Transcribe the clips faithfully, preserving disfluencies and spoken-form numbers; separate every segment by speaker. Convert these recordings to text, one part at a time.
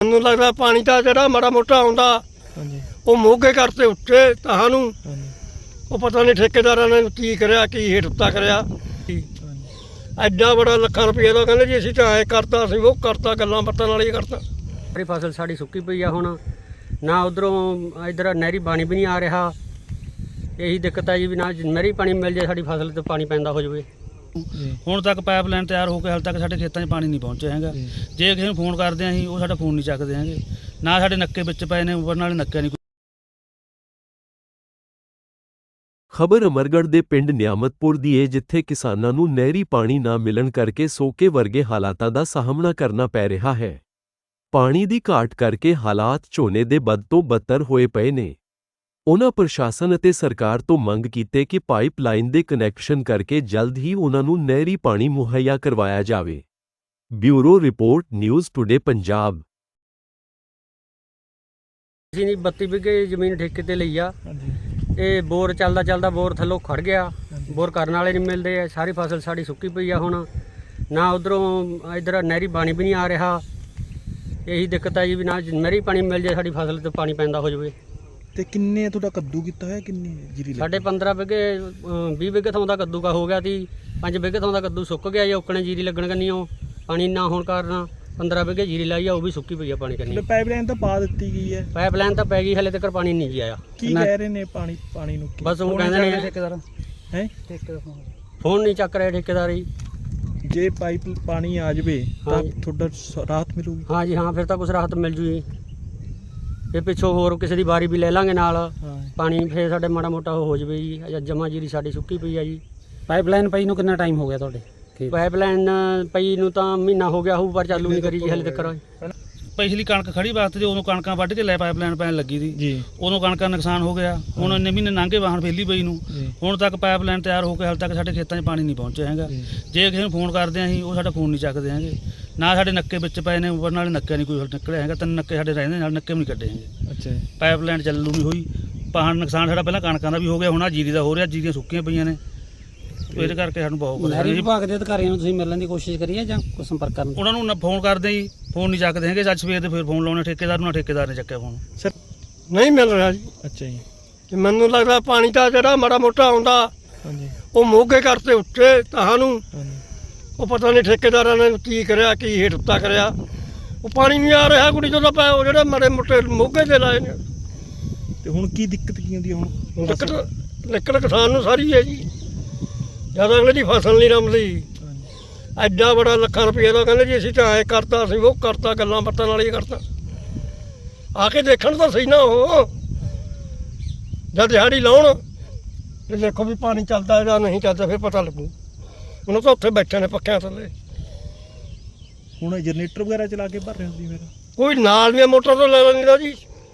Speaker 1: ਮੈਨੂੰ ਲੱਗਦਾ ਪਾਣੀ ਤਾਂ ਜਿਹੜਾ ਮਾੜਾ ਮੋਟਾ ਆਉਂਦਾ ਉਹ ਮੋਗੇ ਕਰਤੇ ਉੱਤੇ ਤੁਹਾਨੂੰ ਉਹ ਪਤਾ ਨਹੀਂ ਠੇਕੇਦਾਰਾਂ ਨੇ ਕੀ ਕਰਿਆ ਕੀ ਹੇਠ ਉੱਤਾ ਕਰਿਆ। ਐਡਾ ਬੜਾ ਲੱਖਾਂ ਰੁਪਏ ਦਾ ਕਹਿੰਦੇ ਜੀ ਅਸੀਂ ਤਾਂ ਐਂ ਕਰਤਾ ਸੀ ਉਹ ਕਰਤਾ ਗੱਲਾਂ ਬਾਤਾਂ ਨਾਲ ਹੀ ਕਰਤਾ।
Speaker 2: ਸਾਰੀ ਫਸਲ ਸਾਡੀ ਸੁੱਕੀ ਪਈ ਆ ਹੁਣ ਨਾ ਉਧਰੋਂ ਇੱਧਰ ਨਹਿਰੀ ਪਾਣੀ ਵੀ ਨਹੀਂ ਆ ਰਿਹਾ। ਇਹੀ ਦਿੱਕਤ ਹੈ ਜੀ ਵੀ ਨਾ ਨਹਿਰੀ ਪਾਣੀ ਮਿਲ ਜਾਏ ਸਾਡੀ ਫਸਲ ਤੇ ਪਾਣੀ ਪੈਂਦਾ ਹੋ ਜਾਵੇ।
Speaker 3: ਹੁਣ ਤੱਕ ਪਾਈਪਲਾਈਨ ਤਿਆਰ ਹੋ ਕੇ ਹਾਲੇ ਤੱਕ ਸਾਡੇ ਖੇਤਾਂ 'ਚ ਪਾਣੀ ਨਹੀਂ ਪਹੁੰਚਿਆ ਹੈਗਾ। ਜੇ ਕਿਸੇ ਨੂੰ ਫੋਨ ਕਰਦੇ ਆਂ ਅਸੀਂ ਉਹ ਸਾਡਾ ਫੋਨ ਨਹੀਂ ਚੱਕਦੇ ਹੈਗੇ। ਨਾ ਸਾਡੇ ਨੱਕੇ ਵਿੱਚ ਪਏ ਨੇ ਉੱਪਰ ਨਾਲੇ ਨੱਕੇ ਨਹੀਂ।
Speaker 4: ਖਬਰ ਅਮਰਗੜ੍ਹ ਦੇ ਪਿੰਡ ਨਿਆਮਤਪੁਰ ਦੀ ਹੈ, ਜਿੱਥੇ ਕਿਸਾਨਾਂ ਨੂੰ ਨਹਿਰੀ ਪਾਣੀ ਨਾ ਮਿਲਣ ਕਰਕੇ ਸੋਕੇ ਵਰਗੇ ਹਾਲਾਤਾਂ ਦਾ ਸਾਹਮਣਾ ਕਰਨਾ ਪੈ ਰਿਹਾ ਹੈ। ਪਾਣੀ ਦੀ ਘਾਟ ਕਰਕੇ ਹਾਲਾਤ ਝੋਨੇ ਦੇ ਬਦ ਤੋਂ ਬਦਤਰ ਹੋਏ ਪਏ ਨੇ। ਉਨ੍ਹਾਂ ਪ੍ਰਸ਼ਾਸਨ ਅਤੇ ਸਰਕਾਰ ਤੋਂ ਮੰਗ ਕੀਤੀ ਕਿ ਪਾਈਪਲਾਈਨ ਦੇ ਕਨੈਕਸ਼ਨ ਕਰਕੇ ਜਲਦ ਹੀ ਉਨ੍ਹਾਂ ਨੂੰ ਨਹਿਰੀ ਪਾਣੀ ਮੁਹੱਈਆ ਕਰਵਾਇਆ ਜਾਵੇ। Bureau report, news today Punjab.
Speaker 2: ਅਸੀਂ ਨਹੀਂ ਬੱਤੀ ਵਿਗੇ ਜ਼ਮੀਨ ਠੇਕੇ ਤੇ ਲਈ ਆ। ਇਹ ਬੋਰ ਚੱਲਦਾ ਚੱਲਦਾ ਬੋਰ ਥੱਲੋਂ ਖੜ ਗਿਆ। ਬੋਰ ਕਰਨ ਵਾਲੇ ਨਹੀਂ ਮਿਲਦੇ ਆ। ਸਾਰੀ ਫਸਲ ਸਾਡੀ ਸੁੱਕੀ ਪਈ ਆ ਹੁਣ ਨਾ ਉਧਰੋਂ ਇੱਧਰ ਨਹਿਰੀ ਪਾਣੀ ਵੀ ਨਹੀਂ ਆ ਰਿਹਾ। ਇਹੀ ਦਿੱਕਤ ਹੈ ਜੀ ਵੀ ਨਾ ਨਹਿਰੀ ਪਾਣੀ ਮਿਲ ਜਾਏ ਸਾਡੀ ਫਸਲ ਤੇ ਪਾਣੀ ਪੈਂਦਾ ਹੋ ਜਾਵੇ।
Speaker 5: ਤੇ ਕਿੰਨੇ ਤੁਹਾਡਾ ਕੱਦੂ ਕੀਤਾ ਹੋਇਆ, ਕਿੰਨੀ ਜੀਰੀ ਲੱਗੀ?
Speaker 2: ਸਾਡੇ ਪੰਦਰਾਂ ਵਿਗੇ ਵੀਹ ਵਿਗੇ ਥਾਂ ਦਾ ਕੱਦੂ ਕਾ ਹੋ ਗਿਆ ਸੀ। ਪੰਜ ਵਿਗੇ ਥਾਂ ਦਾ ਕੱਦੂ ਸੁੱਕ ਗਿਆ ਜੀ। ਔਕਣੇ ਜੀਰੀ ਲੱਗਣ ਕੰਨੀਓ ਪਾਣੀ ਨਾ ਹੋਣ ਕਾਰਨ ਪੰਦਰਾਂ ਵਿਗੇ ਜੀਰੀ ਲਾਈ ਆ ਉਹ ਵੀ ਸੁੱਕੀ ਪਈ ਆ ਪਾਣੀ ਕੰਨੀ।
Speaker 5: ਪਾਈਪਲਾਈਨ ਤਾਂ ਪਾ ਦਿੱਤੀ ਗਈ ਹੈ।
Speaker 2: ਪਾਈਪਲਾਈਨ ਤਾਂ ਪੈ ਗਈ, ਹਲੇ ਤੱਕ ਪਾਣੀ ਨਹੀਂ ਜੀ ਆਇਆ।
Speaker 5: ਕੀ ਕਹਿ ਰਹੇ ਨੇ ਪਾਣੀ ਪਾਣੀ ਨੂੰ?
Speaker 2: ਬਸ ਉਹ ਕਹਿੰਦੇ ਨੇ ਠੇਕੇਦਾਰ
Speaker 5: ਹੈ
Speaker 2: ਫੋਨ ਨਹੀਂ ਚੱਕ ਰਿਹਾ ਠੇਕੇਦਾਰ ਜੀ।
Speaker 5: ਜੇ ਪਾਈਪ ਪਾਣੀ ਆ ਜਾਵੇ ਤਾਂ ਤੁਹਾਡਾ ਰਾਹਤ ਮਿਲੂਗੀ?
Speaker 2: ਹਾਂ ਜੀ ਹਾਂ, ਫਿਰ ਤਾਂ ਕੁਛ ਰਾਹਤ ਮਿਲ ਜੂ ਜੀ। ਇਹ ਪਿੱਛੋਂ ਹੋਰ ਕਿਸੇ ਦੀ ਵਾਰੀ ਵੀ ਲੈ ਲਾਂਗੇ ਨਾਲ ਪਾਣੀ, ਫਿਰ ਸਾਡੇ ਮਾੜਾ ਮੋਟਾ ਹੋ ਜਾਵੇ ਜੀ। ਜਮਾ ਜੀਰੀ ਸਾਡੀ ਸੁੱਕੀ ਪਈ ਆ ਜੀ।
Speaker 6: ਪਾਈਪਲਾਈਨ ਪਈ ਨੂੰ ਕਿੰਨਾ ਟਾਈਮ ਹੋ ਗਿਆ ਤੁਹਾਡੇ?
Speaker 2: ਪਾਈਪਲਾਈਨ ਪਈ ਨੂੰ ਤਾਂ ਮਹੀਨਾ ਹੋ ਗਿਆ ਹੋਊ, ਪਰ ਚਾਲੂ ਨਹੀਂ ਕਰੀ ਜੀ ਹਲੇ ਤੱਕ।
Speaker 3: ਪਿਛਲੀ ਕਣਕ ਖੜੀ ਵਾਸਤੇ ਉਦੋਂ ਕਣਕਾਂ ਵੱਢ ਕੇ ਲੈ ਪਾਈਪਲਾਈਨ ਪੈਣ ਲੱਗੀ ਸੀ
Speaker 5: ਜੀ।
Speaker 3: ਉਦੋਂ ਕਣਕਾਂ ਨੁਕਸਾਨ ਹੋ ਗਿਆ। ਹੁਣ ਇੰਨੇ ਮਹੀਨੇ ਲੰਘੇ ਵਾਹਣ ਫੇਲੀ ਪਈ ਨੂੰ। ਹੁਣ ਤੱਕ ਪਾਈਪਲਾਈਨ ਤਿਆਰ ਹੋ ਕੇ ਹਾਲੇ ਤੱਕ ਸਾਡੇ ਖੇਤਾਂ 'ਚ ਪਾਣੀ ਨਹੀਂ ਪਹੁੰਚਿਆ ਹੈਗਾ। ਜੇ ਕਿਸੇ ਨੂੰ ਫੋਨ ਕਰਦੇ ਆਂ ਅਸੀਂ ਉਹ ਸਾਡਾ ਫੋਨ ਨਹੀਂ ਚੱਕਦੇ ਹੈਗੇ। ਨਾ ਸਾਡੇ ਨੱਕੇ ਵਿੱਚ ਪਏ ਨੇ ਉੱਪਰ ਨਾਲੇ ਨੱਕੇ ਨਹੀਂ ਕੋਈ ਨਿਕਲਿਆ ਹੈਗਾ। ਤਿੰਨ ਨੱਕੇ ਸਾਡੇ ਰਹਿੰਦੇ ਨਾਲ ਨੱਕੇ ਵੀ ਨਹੀਂ ਕੱਢੇ ਹੈਗੇ।
Speaker 5: ਅੱਛਾ,
Speaker 3: ਪਾਈਪਲਾਈਨ ਚੱਲੂ ਨਹੀਂ ਹੋਈ। ਪਾਣ ਨੁਕਸਾਨ ਸਾਡਾ ਪਹਿਲਾਂ ਕਣਕਾਂ ਦਾ ਵੀ ਹੋ ਗਿਆ, ਹੁਣ ਆ ਜੀਰੀ ਦਾ ਹੋ ਰਿਹਾ। ਜੀਰੀਆਂ ਸੁੱਕੀਆਂ ਪਈਆਂ ਨੇ, ਇਹਦੇ ਕਰਕੇ ਸਾਨੂੰ ਬਹੁਤ
Speaker 6: ਨਹਿਰੀ ਵਿਭਾਗ ਦੇ ਅਧਿਕਾਰੀਆਂ ਨੂੰ ਤੁਸੀਂ ਮਿਲਣ ਦੀ ਕੋਸ਼ਿਸ਼ ਕਰੀ ਹੈ ਜਾਂ ਕੋਈ ਸੰਪਰਕ ਕਰਨ?
Speaker 3: ਉਹਨਾਂ ਨੂੰ ਫੋਨ ਕਰਦੇ ਜੀ, ਫੋਨ ਨਹੀਂ ਚੱਕਦੇ ਹੈਗੇ। ਅੱਜ ਸਵੇਰ ਦੇ ਫਿਰ ਫੋਨ ਲਾਉਣੇ ਠੇਕੇਦਾਰ ਨੂੰ, ਠੇਕੇਦਾਰ ਨੇ ਚੱਕਿਆ ਫੋਨ।
Speaker 5: ਸਰ
Speaker 1: ਨਹੀਂ ਮਿਲ ਰਿਹਾ ਜੀ।
Speaker 5: ਅੱਛਾ ਜੀ।
Speaker 1: ਤੇ ਮੈਨੂੰ ਲੱਗਦਾ ਪਾਣੀ ਤਾਂ ਜਿਹੜਾ ਮਾੜਾ ਮੋਟਾ ਆਉਂਦਾ
Speaker 5: ਹਾਂਜੀ
Speaker 1: ਉਹ ਮੋਗੇ ਕਰਤੇ ਉੱਤੇ ਤੁਹਾਨੂੰ
Speaker 5: ਹਾਂਜੀ।
Speaker 1: ਉਹ ਪਤਾ ਨਹੀਂ ਠੇਕੇਦਾਰਾਂ ਨੇ ਕੀ ਕਰਿਆ ਕੀ ਹੇਠ ਉੱਤਾ ਕਰਿਆ। ਉਹ ਪਾਣੀ ਨਹੀਂ ਆ ਰਿਹਾ ਕੁੜੀ ਜਦੋਂ ਪੈ ਉਹ ਜਿਹੜੇ ਮਾੜੇ ਮੋਟੇ ਮੋਗੇ ਦੇ ਲਾਏ ਨੇ।
Speaker 5: ਤੇ ਹੁਣ ਕੀ ਦਿੱਕਤ ਕੀ ਹੁੰਦੀ ਹੈ? ਹੁਣ
Speaker 1: ਦਿੱਕਤ ਦਿੱਕਤ ਕਿਸਾਨ ਨੂੰ ਸਾਰੀ ਹੈ ਜੀ। ਜਦ ਅਗਲੇ ਦੀ ਫਸਲ ਨਹੀਂ ਰਮਦੀ। ਐਡਾ ਬੜਾ ਲੱਖਾਂ ਰੁਪਏ ਦਾ ਕਹਿੰਦੇ ਜੀ ਅਸੀਂ ਤਾਂ ਐਂ ਕਰਤਾ ਸੀ ਉਹ ਕਰਤਾ ਗੱਲਾਂ ਬਾਤਾਂ ਨਾਲ ਹੀ ਕਰਤਾ। ਆ ਕੇ ਦੇਖਣ ਤਾਂ ਸਹੀ ਨਾ ਉਹ ਜਦ ਦਿਹਾੜੀ ਲਾਉਣ ਤੇ ਦੇਖੋ ਵੀ ਪਾਣੀ ਚੱਲਦਾ ਜਾਂ ਨਹੀਂ ਚੱਲਦਾ, ਫਿਰ ਪਤਾ ਲੱਗੂ। ਉਹਨੂੰ ਤਾਂ ਉੱਥੇ ਬੈਠੇ ਨੇ ਪੱਖਿਆਂ ਥੱਲੇ।
Speaker 5: ਹੁਣ ਜਨਰੇਟਰ ਵਗੈਰਾ ਚਲਾ ਕੇ ਭਰ ਰਹੇ ਹੁੰਦੀ ਫਿਰ?
Speaker 1: ਕੋਈ ਨਾਲ ਦੀਆਂ ਮੋਟਰ ਤੋਂ ਲੈ ਲੈਂਦਾ ਜੀ।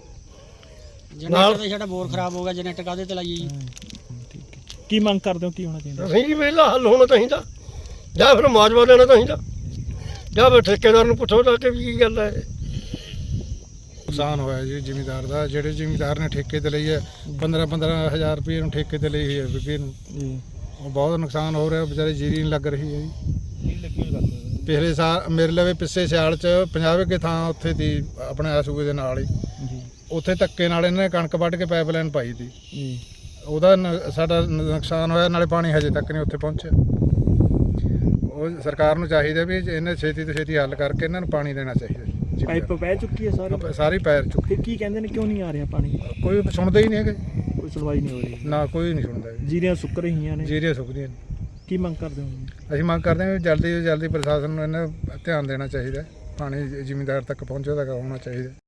Speaker 2: ਜਨਰੇਟਰ ਤੇ ਸਾਡਾ ਬੋਰ ਖਰਾਬ ਹੋ ਗਿਆ, ਜਨਰੇਟਰ ਕਾਹਦੇ ਤੇ ਲਾਈਏ ਜੀ?
Speaker 5: ਕੀ ਮੰਗ ਕਰਦੇ ਹੋ, ਕੀ ਹੋਣਾ ਚਾਹੀਦਾ?
Speaker 1: ਅਸੀਂ ਜੀ ਵਿਹਲਾ ਹੱਲ ਹੋਣਾ ਚਾਹੀਦਾ, ਜਾਂ ਫਿਰ ਮੁਆਵਜ਼ਾ ਦੇਣਾ ਚਾਹੀਦਾ, ਜਾਂ ਫਿਰ ਠੇਕੇਦਾਰ ਨੂੰ ਪੁੱਛੋ ਤਾਂ ਕਿ ਕੀ ਗੱਲ ਹੈ।
Speaker 7: ਨੁਕਸਾਨ ਹੋਇਆ ਜੀ ਜ਼ਿਮੀਂਦਾਰ ਦਾ। ਜਿਹੜੇ ਜ਼ਿਮੀਂਦਾਰ ਨੇ ਠੇਕੇ ਤੇ ਲਈ ਹੈ ਪੰਦਰਾਂ ਪੰਦਰਾਂ ਹਜ਼ਾਰ ਰੁਪਏ ਨੂੰ ਠੇਕੇ ਤੇ ਲਈ ਹੈ ਵਿਗੇ ਨੂੰ, ਉਹ ਬਹੁਤ ਨੁਕਸਾਨ ਹੋ ਰਿਹਾ। ਵਿਚਾਰੇ ਜੀਰੀ ਨਹੀਂ ਲੱਗ ਰਹੀ ਹੈ ਜੀ। ਪਿਛਲੇ ਸਾਲ ਮੇਰੇ ਲਵੇ ਪਿੱਛੇ ਸਿਆਲ 'ਚ ਪੰਜਾਹ ਵਿਗੇ ਥਾਂ ਉੱਥੇ ਦੀ ਆਪਣੇ ਸੂਬੇ ਦੇ ਨਾਲ ਹੀ, ਉੱਥੇ ਧੱਕੇ ਨਾਲ ਇਹਨਾਂ ਨੇ ਕਣਕ ਵੱਢ ਕੇ ਪਾਈਪਲਾਈਨ ਪਾਈ ਤੀ। ਉਹਦਾ ਸਾਡਾ ਨੁਕਸਾਨ ਹੋਇਆ, ਨਾਲੇ ਪਾਣੀ ਹਜੇ ਤੱਕ ਨਹੀਂ ਉੱਥੇ ਪਹੁੰਚਿਆ। ਉਹ ਸਰਕਾਰ ਨੂੰ ਚਾਹੀਦਾ ਵੀ ਇਹਨੇ ਛੇਤੀ ਤੋਂ ਛੇਤੀ ਹੱਲ ਕਰਕੇ ਇਹਨਾਂ ਨੂੰ ਪਾਣੀ ਦੇਣਾ ਚਾਹੀਦਾ।
Speaker 5: ਪਾਈਪ ਪੈ ਚੁੱਕੀ ਹੈ ਸਾਰੀ?
Speaker 7: ਸਾਰੀ ਪੈਰ ਚੁੱਕੀ।
Speaker 5: ਕੀ ਕਹਿੰਦੇ ਨੇ ਕਿਉਂ ਨਹੀਂ ਆ ਰਿਹਾ ਪਾਣੀ?
Speaker 7: ਕੋਈ ਸੁਣਦਾ ਹੀ ਨਹੀਂ ਹੈਗਾ,
Speaker 5: ਕੋਈ ਸੁਣਵਾਈ ਨਹੀਂ ਹੋ ਰਹੀ
Speaker 7: ਨਾ ਕੋਈ ਨਹੀਂ ਸੁਣਦਾ।
Speaker 5: ਜੀਰੀਆਂ ਸੁੱਕ ਰਹੀਆਂ ਨੇ?
Speaker 7: ਜੀਰੀਆਂ ਸੁੱਕਦੀਆਂ ਨੇ।
Speaker 5: ਕੀ ਮੰਗ ਕਰਦੇ ਹੋ?
Speaker 7: ਅਸੀਂ ਮੰਗ ਕਰਦੇ ਹਾਂ ਵੀ ਜਲਦੀ ਤੋਂ ਜਲਦੀ ਪ੍ਰਸ਼ਾਸਨ ਨੂੰ ਇਹਨਾਂ ਧਿਆਨ ਦੇਣਾ ਚਾਹੀਦਾ। ਪਾਣੀ ਜ਼ਿਮੀਂਦਾਰ ਤੱਕ ਪਹੁੰਚਦਾ ਹੋਣਾ ਚਾਹੀਦਾ।